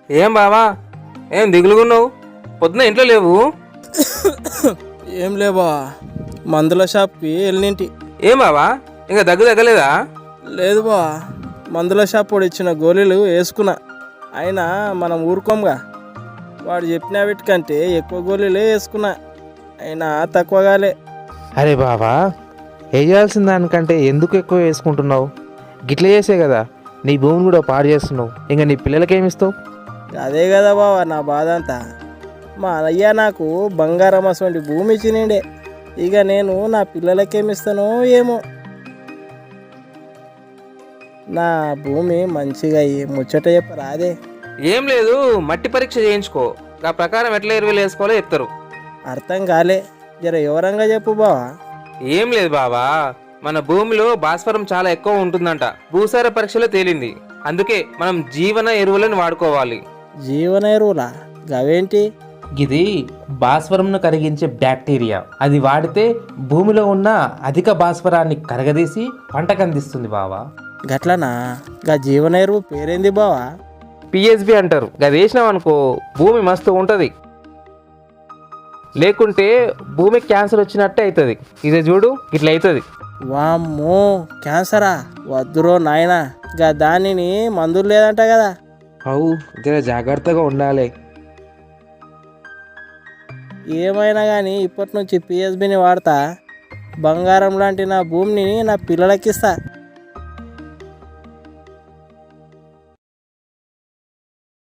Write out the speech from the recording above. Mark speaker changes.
Speaker 1: ఏం బావా, ఏం దిగులుగున్నావు? పొద్దున ఇంట్లో లేవు?
Speaker 2: ఏం లేవా, మందుల షాప్కి వెళ్ళింటి.
Speaker 1: ఏం బావా, ఇంకా దగ్గు తగ్గలేదా?
Speaker 2: లేదు బా, మందుల షాప్ వాడు ఇచ్చిన గోళీలు వేసుకున్నా. అయినా మనం ఊరుకోంగా, వాడు చెప్పిన వీటికంటే ఎక్కువ గోళీలే వేసుకున్నా, అయినా తక్కువగాలే.
Speaker 3: అరే బావా, వేయాల్సిన దానికంటే ఎందుకు ఎక్కువ వేసుకుంటున్నావు? గిట్ల చేసే కదా నీ భూమిని కూడా పాడు చేస్తున్నావు. ఇంకా నీ పిల్లలకేమిస్తావు?
Speaker 2: అదే కదా బావా నా బాధ అంతా. మా అయ్య నాకు బంగారం అటువంటి భూమి ఇచ్చినండే, ఇక నేను నా పిల్లలకేమిస్తానో ఏమో. నా భూమి మంచిగా ముచ్చట చెప్పరాదే.
Speaker 1: ఏం లేదు, మట్టి పరీక్ష చేయించుకో, ఆ ప్రకారం ఎట్లా ఎరువులు వేసుకోవాలో చెప్తారు.
Speaker 2: అర్థం కాలే, జర వివరంగా చెప్పు బావా.
Speaker 1: ఏం లేదు బావా, మన భూమిలో భాస్వరం చాలా ఎక్కువ ఉంటుందంట, భూసార పరీక్షలో తేలింది. అందుకే మనం జీవన ఎరువులను వాడుకోవాలి.
Speaker 2: జీవన ఎరువులా? గవేంటి?
Speaker 3: ఇది భాస్వరంను కరిగించే బ్యాక్టీరియా. అది వాడితే భూమిలో ఉన్న అధిక భాస్వరాన్ని కరగదీసి పంటకు అందిస్తుంది బావా.
Speaker 2: గట్లనా? గా జీవన ఎరువు పేరేంది బావా?
Speaker 1: పిఎస్బి అంటారు. అది వేసినాం అనుకో భూమి మస్తు ఉంటుంది, లేకుంటే భూమి క్యాన్సర్ వచ్చినట్టే అవుతుంది. ఇదే చూడు, ఇట్లా అవుతుంది.
Speaker 2: వామ్మో, క్యాన్సరా? వద్దురో నాయనా, గా దానిని మందులు లేదంట కదా.
Speaker 3: అవు, జర జాగ్రత్తగా ఉండాలి.
Speaker 2: ఏమైనా కానీ ఇప్పటి నుంచి పిఎస్బిని వాడతా. బంగారం లాంటి నా భూమిని నా పిల్లలకిస్తా.